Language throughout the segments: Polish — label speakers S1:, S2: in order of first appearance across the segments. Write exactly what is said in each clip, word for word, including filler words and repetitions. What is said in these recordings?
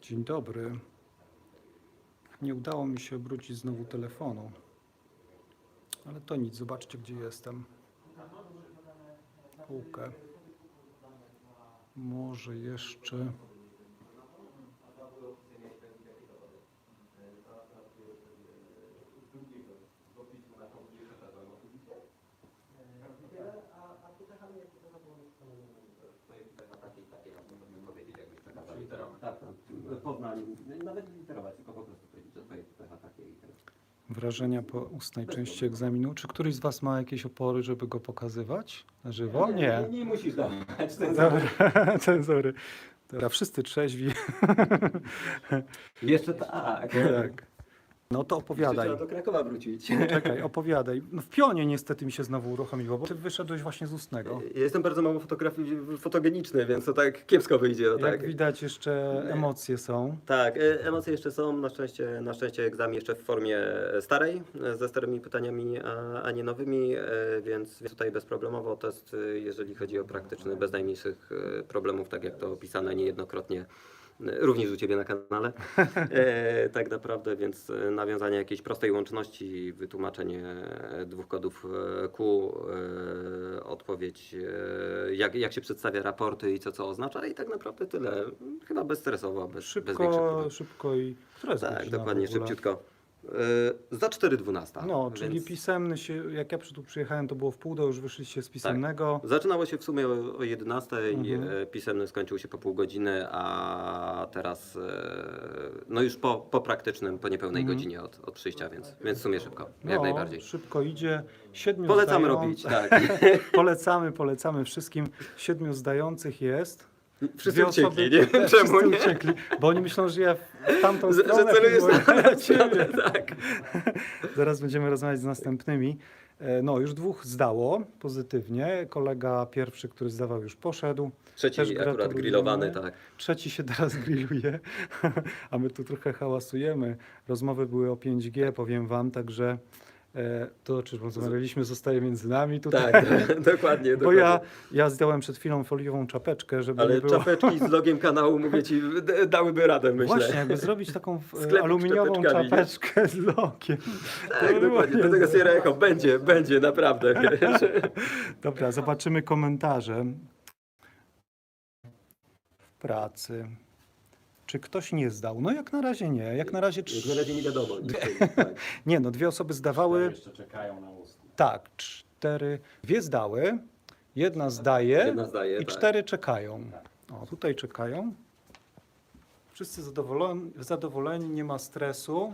S1: Dzień dobry. Nie udało mi się obrócić znowu telefonu. Ale to nic, zobaczcie gdzie jestem. Półkę. Może jeszcze...
S2: Tak, Poznań, nawet nie literować, tylko po prostu powiedzieć, że twoje pecha takie i tyle.
S1: Wrażenia po ustnej części egzaminu. Czy któryś z Was ma jakieś opory, żeby go pokazywać na żywo? Nie.
S2: Nie, nie musisz dawać. Ten
S1: Dobra, cenzory. Dobra, wszyscy trzeźwi.
S2: Jeszcze tak.
S1: Tak. No to
S2: Jeszcze
S1: opowiadaj.
S2: trzeba do Krakowa wrócić.
S1: Czekaj, opowiadaj. No w pionie niestety mi się znowu uruchomiło, bo ty wyszedłeś właśnie z ustnego.
S2: Ja jestem bardzo mało fotografii fotogeniczny, więc to tak kiepsko wyjdzie. No
S1: Jak
S2: tak.
S1: widać jeszcze
S2: Nie.
S1: emocje są.
S2: Tak, e, emocje jeszcze są, na szczęście, na szczęście egzamin jeszcze w formie starej, e, ze starymi pytaniami, a, a nie nowymi, e, więc więc tutaj bezproblemowo test, e, jeżeli chodzi o praktyczny, bez najmniejszych e, problemów, tak jak to opisane niejednokrotnie, e, również u Ciebie na kanale, e, tak naprawdę, więc e, nawiązanie jakiejś prostej łączności, wytłumaczenie e, dwóch kodów e, Q, e, odpowiedź, e, jak, jak się przedstawia raporty i co co oznacza i tak naprawdę tyle, chyba bezstresowo, bez, bez większych
S1: Szybko,
S2: problemów.
S1: szybko i... Która jest
S2: Tak,
S1: godzina
S2: dokładnie,
S1: w ogóle?
S2: szybciutko. Yy, za cztery dwanaście.
S1: No, czyli
S2: więc
S1: pisemny się, jak ja przy- tu przyjechałem, to było w pół do, już wyszliście z pisemnego.
S2: zaczynało się w sumie o, o jedenastej,
S1: Mhm.
S2: e, pisemny skończył się po pół godziny, a teraz e, no już po, po praktycznym, po niepełnej
S1: Mhm.
S2: godzinie od, od przyjścia, więc, więc w sumie szybko, jak
S1: No,
S2: najbardziej.
S1: szybko idzie. Siedmiu
S2: Polecam
S1: zdają-
S2: robić, tak.
S1: Polecamy, polecamy wszystkim. Siedmiu zdających jest.
S2: Wszyscy
S1: Dwie osoby-
S2: uciekli, nie wiem
S1: Wszyscy
S2: czemu, nie?
S1: uciekli, bo oni myślą, że ja w tamtą
S2: Że, że
S1: stronę
S2: celujesz
S1: filmuję
S2: na,
S1: na ciebie.
S2: tak.
S1: Zaraz będziemy rozmawiać z następnymi. E, No, już dwóch zdało pozytywnie. Kolega pierwszy, który zdawał, już poszedł. Też
S2: Trzeci akurat
S1: gratulujemy.
S2: grillowany, tak.
S1: Trzeci się teraz grilluje, a my tu trochę hałasujemy. Rozmowy były o pięć G, powiem wam, także e, to, o czym rozmawialiśmy, zostaje między nami tutaj.
S2: Tak, dokładnie,
S1: Bo
S2: dokładnie.
S1: ja, ja zdjąłem przed chwilą foliową czapeczkę, żeby
S2: Ale
S1: nie było...
S2: czapeczki z logiem kanału, mówię Ci, d- dałyby radę, myślę.
S1: Właśnie, jakby zrobić taką e,
S2: Sklepik z
S1: aluminiową
S2: czapeczkami, nie?
S1: czapeczkę z logiem.
S2: Tak,
S1: To
S2: dokładnie,
S1: było
S2: do tego
S1: niezłe.
S2: Sierra Echo będzie, będzie, naprawdę, wiesz.
S1: Dobra, zobaczymy komentarze. W pracy. Czy ktoś nie zdał? No jak na razie nie. Jak na razie...
S2: Jak na razie nie wiadomo. Tak.
S1: Nie, no dwie osoby zdawały...
S3: Jeszcze czekają na ustne.
S1: Tak, cztery, dwie zdały, jedna zdaje
S2: Jedna zdaje,
S1: i
S2: tak.
S1: cztery czekają. O, tutaj czekają. Wszyscy zadowoleni, zadowoleni, nie ma stresu.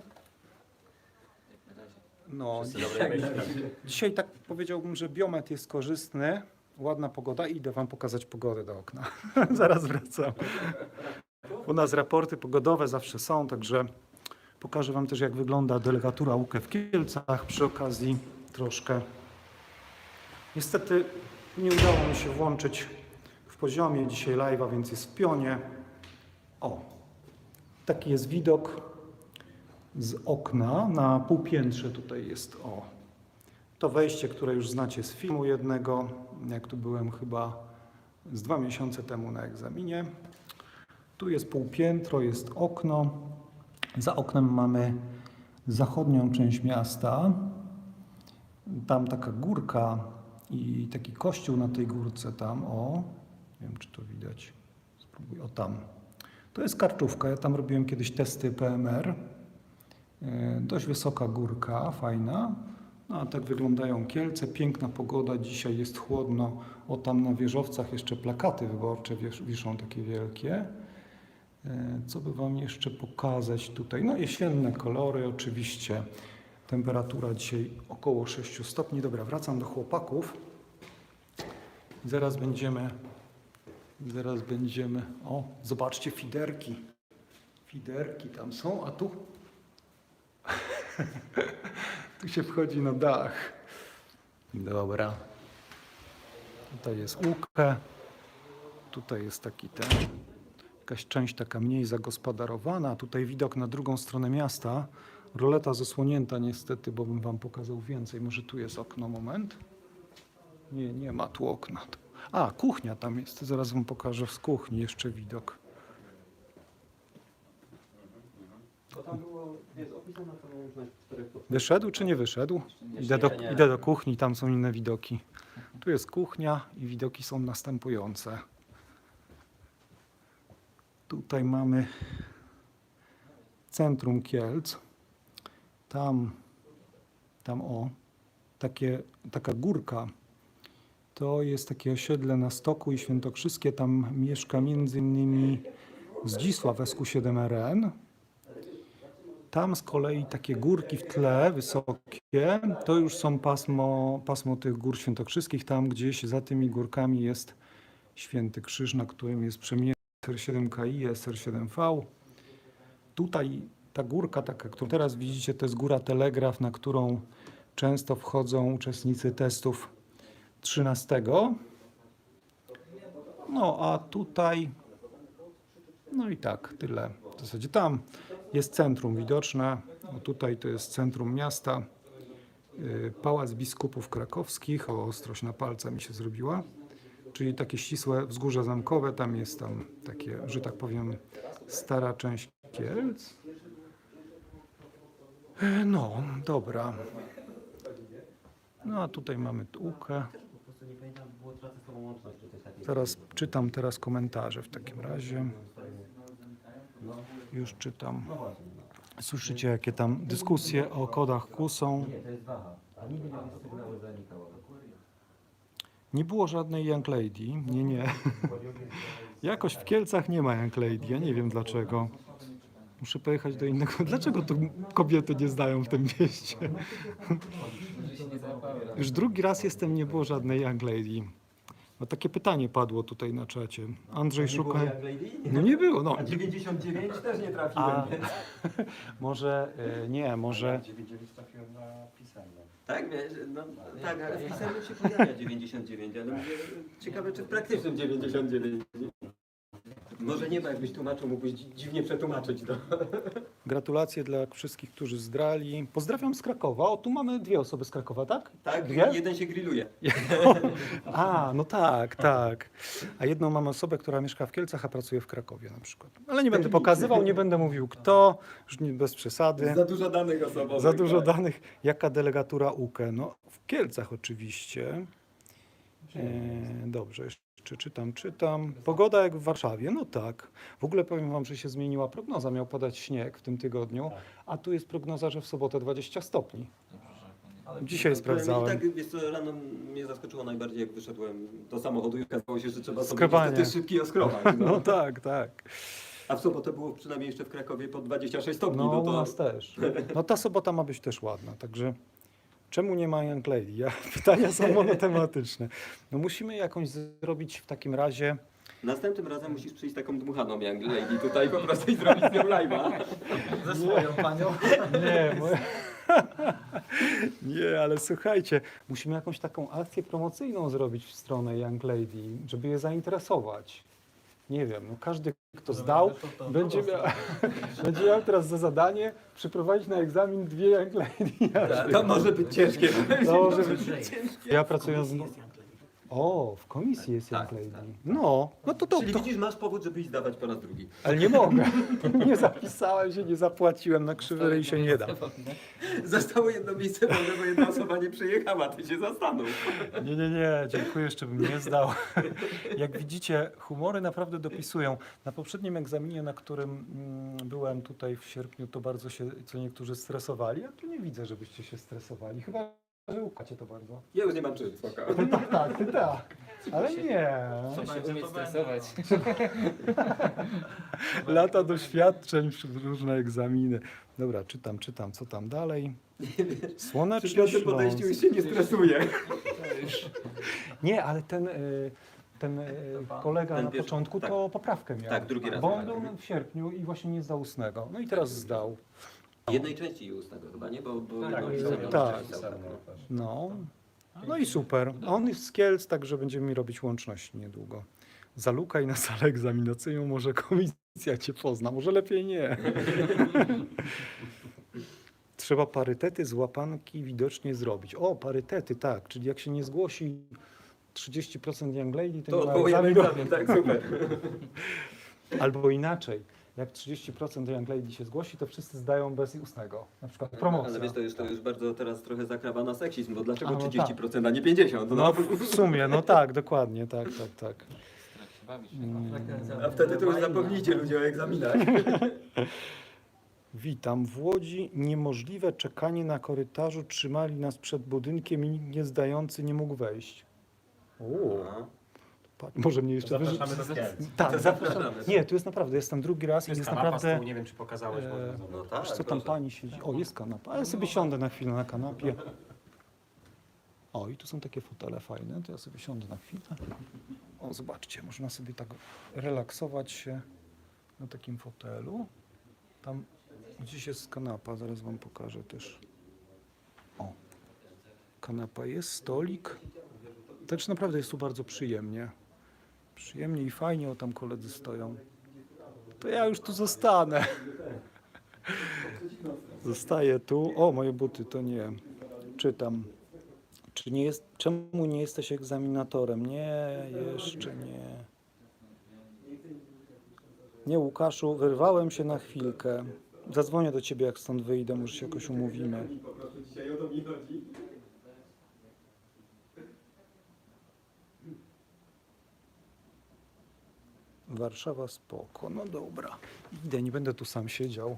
S1: No, dzisiaj, dzisiaj tak powiedziałbym, że biometr jest korzystny, ładna pogoda i idę wam pokazać pogodę do okna. Zaraz wracam. U nas raporty pogodowe zawsze są, także pokażę wam też, jak wygląda delegatura U K E w Kielcach przy okazji troszkę. Niestety nie udało mi się włączyć w poziomie dzisiaj live'a, więc jest w pionie. O, taki jest widok z okna na półpiętrze. Tutaj jest o to wejście, które już znacie z filmu jednego, jak tu byłem chyba z dwa miesiące temu na egzaminie. Tu jest półpiętro, jest okno. Za oknem mamy zachodnią część miasta. Tam taka górka i taki kościół na tej górce tam, o, nie wiem czy to widać, spróbuję, o tam. To jest Karczówka, ja tam robiłem kiedyś testy P M R. Yy, dość wysoka górka, fajna. No a tak wyglądają Kielce, piękna pogoda, dzisiaj jest chłodno. O tam na wieżowcach jeszcze plakaty wyborcze wiesz, wiszą takie wielkie. Yy, co by wam jeszcze pokazać tutaj? No jesienne kolory oczywiście. Temperatura dzisiaj około sześciu stopni. Dobra, wracam do chłopaków. Zaraz będziemy, zaraz będziemy, o, zobaczcie fiderki. Fiderki tam są, a tu, tu się wchodzi na dach. Dobra. Tutaj jest łódkę. Tutaj jest taki ten, jakaś część taka mniej zagospodarowana. Tutaj widok na drugą stronę miasta. Roleta zasłonięta niestety, bo bym wam pokazał więcej. Może tu jest okno, moment. Nie, nie ma tu okna. A, kuchnia tam jest. Zaraz wam pokażę z kuchni jeszcze widok.
S2: Bo tam było, jest opisana ta łączność czterech podstaw.
S1: Wyszedł czy nie wyszedł? Idę do,
S2: nie.
S1: idę do kuchni, tam są inne widoki. Tu jest kuchnia i widoki są następujące. Tutaj mamy centrum Kielc. Tam, tam o, takie, taka górka. To jest takie osiedle na Stoku i Świętokrzyskie. Tam mieszka między innymi Zdzisław S Q siedem R N. Tam z kolei takie górki w tle, wysokie, to już są pasmo, pasmo tych gór świętokrzyskich. Tam gdzieś za tymi górkami jest Święty Krzyż, na którym jest przemienny S R siedem K I, S R siedem V. Tutaj ta górka taka, którą teraz widzicie, to jest góra Telegraf, na którą często wchodzą uczestnicy testów trzynastego. No a tutaj, no i tak, tyle. W zasadzie tam jest centrum widoczne. O, tutaj to jest centrum miasta. Yy, Pałac Biskupów Krakowskich. O, ostrość na palca mi się zrobiła. Czyli takie ścisłe wzgórze zamkowe. Tam jest tam takie, że tak powiem, stara część Kielc. Yy, No, dobra. No a tutaj mamy Tułkę.
S2: Po prostu nie pamiętam, było tracę z tą łączność, czy coś takiego.
S1: Zaraz czytam teraz komentarze w takim razie.
S2: No,
S1: Już czytam.
S2: no właśnie.
S1: Słyszycie, jakie tam dyskusje o kodach Q są.
S2: Nie, to jest waha. A nigdy nie jest sygnały zanikało.
S1: Nie było żadnej Young Lady. Nie, nie. Jakoś w Kielcach nie ma Young Lady. Ja nie wiem dlaczego. Muszę pojechać do innego. Dlaczego tu kobiety nie zdają w tym mieście? Już drugi raz jestem, nie było żadnej Young Lady. No takie pytanie padło tutaj na czacie. Andrzej szuka. No nie było, no.
S2: A dziewięćdziesiąt dziewięć też nie trafiłem.
S1: A, może y, nie, może.
S3: dziewięćdziesiąt trafiłem na pisanie.
S2: Tak, wiesz, no, tak, ale w pisemnym się pojawia dziewięćdziesiąt dziewięć, ale mówię, ciekawe czy w praktycznym dziewięćdziesiąt dziewięć. Może nie ma, jakbyś tłumaczył, mógłbyś dzi- dziwnie przetłumaczyć to.
S1: Gratulacje dla wszystkich, którzy zdrali. Pozdrawiam z Krakowa. O, tu mamy dwie osoby z Krakowa, tak?
S2: Tak,
S1: Dwie?
S2: jeden się grilluje.
S1: A, no tak, tak. A jedną mamy osobę, która mieszka w Kielcach, a pracuje w Krakowie na przykład. Ale nie będę pokazywał, nie będę mówił kto, już nie, bez przesady.
S2: Za dużo danych osobowych.
S1: Za dużo
S2: tak.
S1: danych. Jaka delegatura U K E? No, w Kielcach oczywiście. E, dobrze, jeszcze czytam, czytam. Pogoda jak w Warszawie, no tak. W ogóle powiem wam, że się zmieniła prognoza. Miał padać śnieg w tym tygodniu, a tu jest prognoza, że w sobotę dwadzieścia stopni. Dzisiaj sprawdzałem.
S2: I tak, wiesz co, rano mnie zaskoczyło najbardziej, jak wyszedłem do samochodu i okazało się, że trzeba sobie
S1: Skrobanie.
S2: niestety szybki oskrobać.
S1: No tak, tak.
S2: A w sobotę było przynajmniej jeszcze w Krakowie po dwadzieścia sześć stopni.
S1: No
S2: No,
S1: u
S2: to
S1: nas też. No ta sobota ma być też ładna, także czemu nie ma Young Lady? Ja, pytania są monotematyczne. No musimy jakąś zrobić w takim razie.
S2: następnym razem musisz przyjść taką dmuchaną Young Lady tutaj po prostu i zrobić z nią live'a.
S3: Ze swoją panią.
S1: Nie, moja... nie, ale słuchajcie, musimy jakąś taką akcję promocyjną zrobić w stronę Young Lady, żeby je zainteresować. Nie wiem, no każdy, kto zdał, będzie miał, będzie miał teraz za zadanie przeprowadzić na egzamin dwie Young Lady.
S2: To może być ciężkie.
S1: To może być... Ja pracuję z... O, w komisji jest Young
S2: Tak,
S1: Lady.
S2: tak.
S1: No, no to to,
S2: Czyli
S1: to...
S2: widzisz, masz powód, żeby iść zdawać po raz drugi.
S1: Ale nie mogę. Nie zapisałem się, nie zapłaciłem, na krzywy ryj się nie da.
S2: Zostało jedno miejsce wolne, bo jedna osoba nie przyjechała, ty się zastanów.
S1: Nie, nie, nie, dziękuję, jeszcze bym nie zdał. Jak widzicie, humory naprawdę dopisują. Na poprzednim egzaminie, na którym mm, byłem tutaj w sierpniu, to bardzo się co niektórzy stresowali, a tu nie widzę, żebyście się stresowali. Chyba, że ukacie to bardzo.
S2: Ja już nie mam czym, spoko.
S1: Ty tak, tak, ty tak. Ale nie.
S3: Trzeba się umieć stresować.
S1: Lata doświadczeń, różne egzaminy. Dobra, czytam, czytam, co tam dalej.
S2: Przy
S1: Słoneczny
S2: piątym podejściu już
S1: Śląsk.
S2: się nie stresuje.
S1: Nie, ale ten, y, ten y, kolega
S2: Ten
S1: na
S2: pierwszy-
S1: początku
S2: tak.
S1: to poprawkę miał.
S2: Tak, drugi raz
S1: Bo
S2: miał.
S1: on był w sierpniu i właśnie nie zdał ustnego. No i teraz zdał.
S2: Jednej części ustnego chyba, nie? Bo, bo
S3: Tak,
S2: jedną
S1: tak.
S2: pisałem,
S1: Tak.
S2: jedną pisałem, no.
S1: No. No i super. A on jest z Kielc, także będziemy robić łączności niedługo. Zalukaj na salę egzaminacyjną, może komisja cię pozna, może lepiej nie. Trzeba parytety z łapanki widocznie zrobić. O, parytety, tak. Czyli jak się nie zgłosi trzydzieści procent Young Lady, to,
S2: To
S1: nie ma
S2: odwołujemy
S1: egzaminu.
S2: egzamin, tak, super.
S1: Albo inaczej. jak trzydzieści procent Young Lady się zgłosi, to wszyscy zdają bez ustnego. Na przykład promocja.
S2: Ale wiesz, to już, to już bardzo teraz trochę zakrawa na seksizm, bo dlaczego
S1: A, no
S2: trzydzieści procent, a nie pięćdziesiąt procent?
S1: No
S2: No,
S1: w, w sumie, no tak, dokładnie, tak, tak, tak.
S3: Tak się bawisz.
S2: a wtedy to już zapomnijcie ludzie o egzaminach.
S1: Witam. W Łodzi niemożliwe czekanie na korytarzu. Trzymali nas przed budynkiem i nikt nie zdający nie mógł wejść. O,
S2: No.
S1: pa- może mnie jeszcze wyży...
S4: Zapraszamy do Kielc.
S1: Tak, zapraszam.
S2: Zapraszamy.
S1: Nie, tu jest naprawdę, jestem drugi raz
S4: Tu
S1: i
S4: jest
S1: jest
S4: kanapa z
S1: naprawdę...
S4: tyłu, nie wiem czy pokazałeś,
S1: e,
S4: można
S2: No
S4: zobaczyć.
S2: tak,
S1: Wiesz, co tam
S2: proszę.
S1: pani siedzi? O, jest kanapa, ale ja sobie siądę na chwilę na kanapie. O, i tu są takie fotele fajne, to ja sobie siądę na chwilę. O, zobaczcie, można sobie tak relaksować się na takim fotelu. Tam gdzieś jest kanapa, zaraz wam pokażę też. O, kanapa jest, stolik. Także naprawdę jest tu bardzo przyjemnie. Przyjemnie i fajnie, o tam koledzy stoją. To ja już tu zostanę. Zostaję tu. O, moje buty, to nie. Czytam. Czy nie jest, czemu nie jesteś egzaminatorem? Nie, jeszcze nie. Nie, Łukaszu, wyrwałem się na chwilkę. Zadzwonię do ciebie, jak stąd wyjdę, może się jakoś umówimy. Warszawa spoko, no dobra. Idę, nie będę tu sam siedział.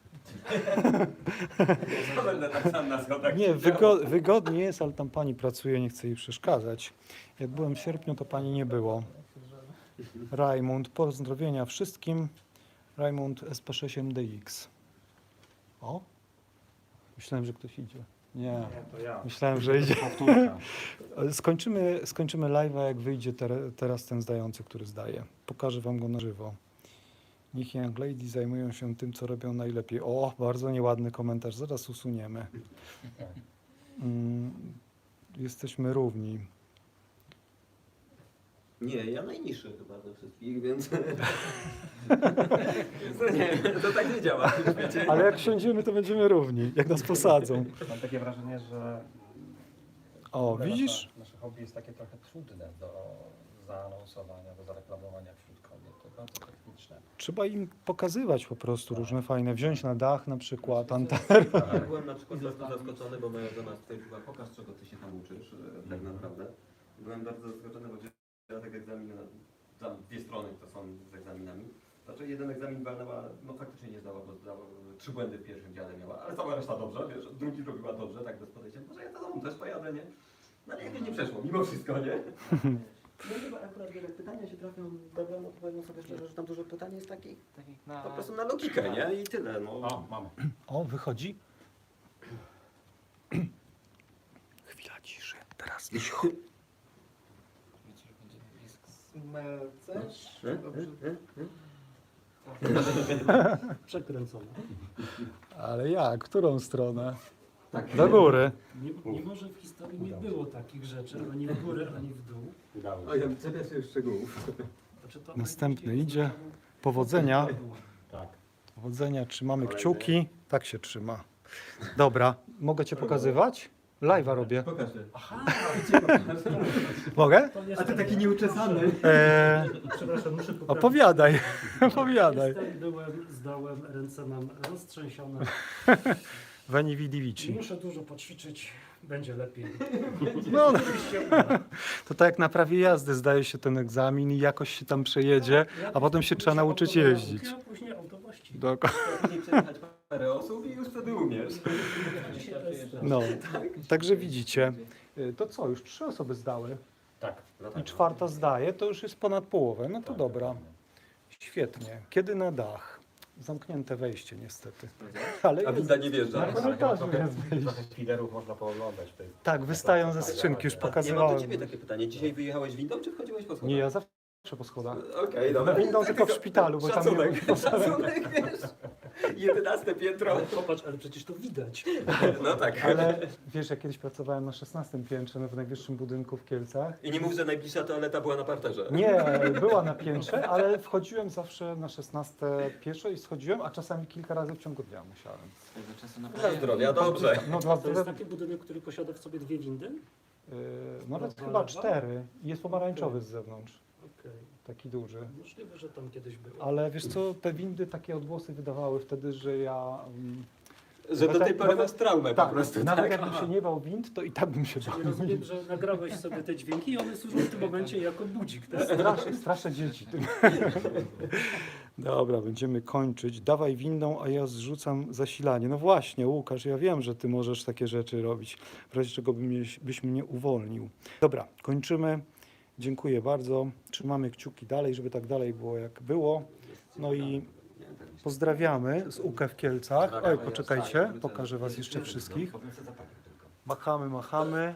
S4: Będę tak sam na schodach.
S1: Nie, wygo wygodnie jest, ale tam pani pracuje, nie chcę jej przeszkadzać. Jak byłem w sierpniu, to pani nie było. Rajmund, pozdrowienia wszystkim. Rajmund S P sześć M D X. O? Myślałem, że ktoś idzie. Nie,
S4: Nie, to ja.
S1: myślałem, że idzie.
S4: Powtórka.
S1: Skończymy, skończymy live'a, jak wyjdzie ter teraz ten zdający, który zdaje. Pokażę wam go na żywo. Niech Young Lady zajmują się tym, co robią najlepiej. O, bardzo nieładny komentarz, zaraz usuniemy. Mm, jesteśmy równi.
S2: Nie, ja najniższy chyba ze wszystkich, więc... więc to nie, to tak nie działa. Wiecie?
S1: Ale jak siądziemy, to będziemy równi, jak nas posadzą.
S4: Mam takie wrażenie, że
S1: O, widzisz?
S3: Nasze, nasze hobby jest takie trochę trudne do zaanonsowania, do zareklamowania wśród kobiet. To bardzo techniczne.
S1: Trzeba im pokazywać po prostu różne fajne. Wziąć na dach na przykład, antenę.
S2: Ja byłem na przykład bardzo zaskoczony, bo moja żona stwierdziła, pokaż czego ty się tam uczysz e, tak naprawdę. Byłem bardzo zaskoczony, bo ja tak egzamin, tam dwie strony to są z egzaminami. Znaczy jeden egzamin walnęła, no faktycznie nie zdała, bo zdała, trzy błędy w pierwszym dziale miała, ale cała reszta dobrze, wiesz, drugi robiła dobrze, tak bez podejścia, może ja to domu też pojadę, nie? No ale jakoś nie przeszło, mimo wszystko, nie? No chyba akurat jak pytania się trafią dobre, no to powiem sobie szczerze, że tam dużo pytań jest takich
S3: Takich na...
S2: po prostu na logikę, nie? I tyle, no.
S4: o, mamy.
S1: O, wychodzi. Chwila ciszy. Teraz cicho.
S3: Wiecie, że będzie blisko.
S2: E? E? E?
S5: Przekręcone.
S1: Ale jak? Którą stronę?
S2: Tak.
S1: Do góry.
S5: Nie, nie może w historii nie było takich rzeczy, ani w górę, ani w dół.
S4: Udało się.
S2: O, ja czepiam się już szczegółów.
S5: Znaczy to
S1: Następny idzie. Powodzenia.
S4: Tak.
S1: Powodzenia, trzymamy
S2: Kolejny.
S1: kciuki. Tak się trzyma. Dobra, mogę cię pokazywać? Live'a robię.
S2: Pokażę.
S5: Aha,
S1: Mogę?
S5: to
S2: A
S5: niestety,
S2: ty taki nieuczesany.
S1: Eee,
S5: przepraszam, muszę poprawić.
S1: opowiadaj, opowiadaj.
S5: Jestem, byłem, zdałem, ręce mam roztrzęsione.
S1: Veni vidi vici.
S5: Muszę dużo poćwiczyć, będzie lepiej.
S1: No, no,
S5: Oczywiście uda.
S1: to tak jak na prawie jazdy zdaje się ten egzamin i jakoś się tam przejedzie, a potem się trzeba nauczyć jeździć.
S5: A później auto właściwie.
S1: Dokładnie.
S2: Później przejechać parę osób i już wtedy umiesz.
S5: Dzisiaj testy.
S1: No, także widzicie. Y, To co, już trzy osoby zdały
S4: Tak.
S1: i czwarta zdaje, to już jest ponad połowę. No to dobra. Świetnie. Kiedy na dach? Zamknięte wejście niestety. Ale
S2: A
S1: jest.
S2: winda nie wjeżdża.
S1: Na
S4: Ale chyba
S1: korytarzu
S4: trochę,
S1: jest wejście.
S4: trochę filerów można pooglądać. Tej,
S1: Tak, wystają ze skrzynki, już
S2: A ja mam do
S1: pokazywałem.
S2: ciebie takie pytanie. Dzisiaj wyjechałeś windą, czy wchodziłeś po schodach?
S1: Nie, ja zawsze po schodach.
S2: Okej, dobra.
S1: Windą tylko w szpitalu, bo tam nie
S2: Szacunek,
S1: było.
S2: szacunek, wiesz. jedenaste piętro.
S5: Popatrz, ale przecież to widać.
S2: No tak.
S1: Ale wiesz, ja kiedyś pracowałem na szesnastym piętrze, no w najwyższym budynku w Kielcach.
S2: I nie mów, że najbliższa toaleta była na parterze.
S1: Nie, była na piętrze, ale wchodziłem zawsze na szesnaste pieszo i schodziłem, a czasami kilka razy w ciągu dnia musiałem.
S3: Tego czasu na
S2: Dla zdrowia, dobrze.
S1: No dla
S5: To jest
S1: zdrowia,
S5: taki budynek, który posiada w sobie dwie windy?
S1: yy, nawet chyba cztery. I jest pomarańczowy z zewnątrz.
S5: Okej.
S1: taki duży.
S5: Możliwe, że tam kiedyś było.
S1: Ale wiesz co, te windy takie odgłosy wydawały wtedy, że ja... mm,
S2: Że do
S1: Nawet-
S2: tej pory
S1: nawet-
S2: masz traumę po
S1: Tak,
S2: prostu.
S1: nawet
S2: Tak?
S1: jakbym się nie bał wind, to i tak bym się bał.
S5: Czyli rozumiem, że nagrałeś sobie te dźwięki i one służą w tym momencie jako budzik, tak?
S1: Straszę, straszę dzieci tym. Dobra, będziemy kończyć. Dawaj windą, a ja zrzucam zasilanie. No właśnie, Łukasz, ja wiem, że ty możesz takie rzeczy robić, w razie czego by mnie, byś mnie uwolnił. Dobra, kończymy. Dziękuję bardzo. Trzymamy kciuki dalej, żeby tak dalej było jak było. No i pozdrawiamy z U K E w Kielcach. Oj, poczekajcie, pokażę was jeszcze wszystkich. Machamy, machamy.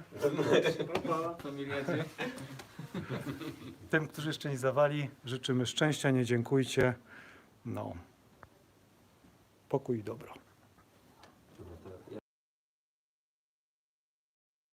S1: Tym, którzy jeszcze nie zawali, życzymy szczęścia, nie dziękujcie. No. Pokój i dobro.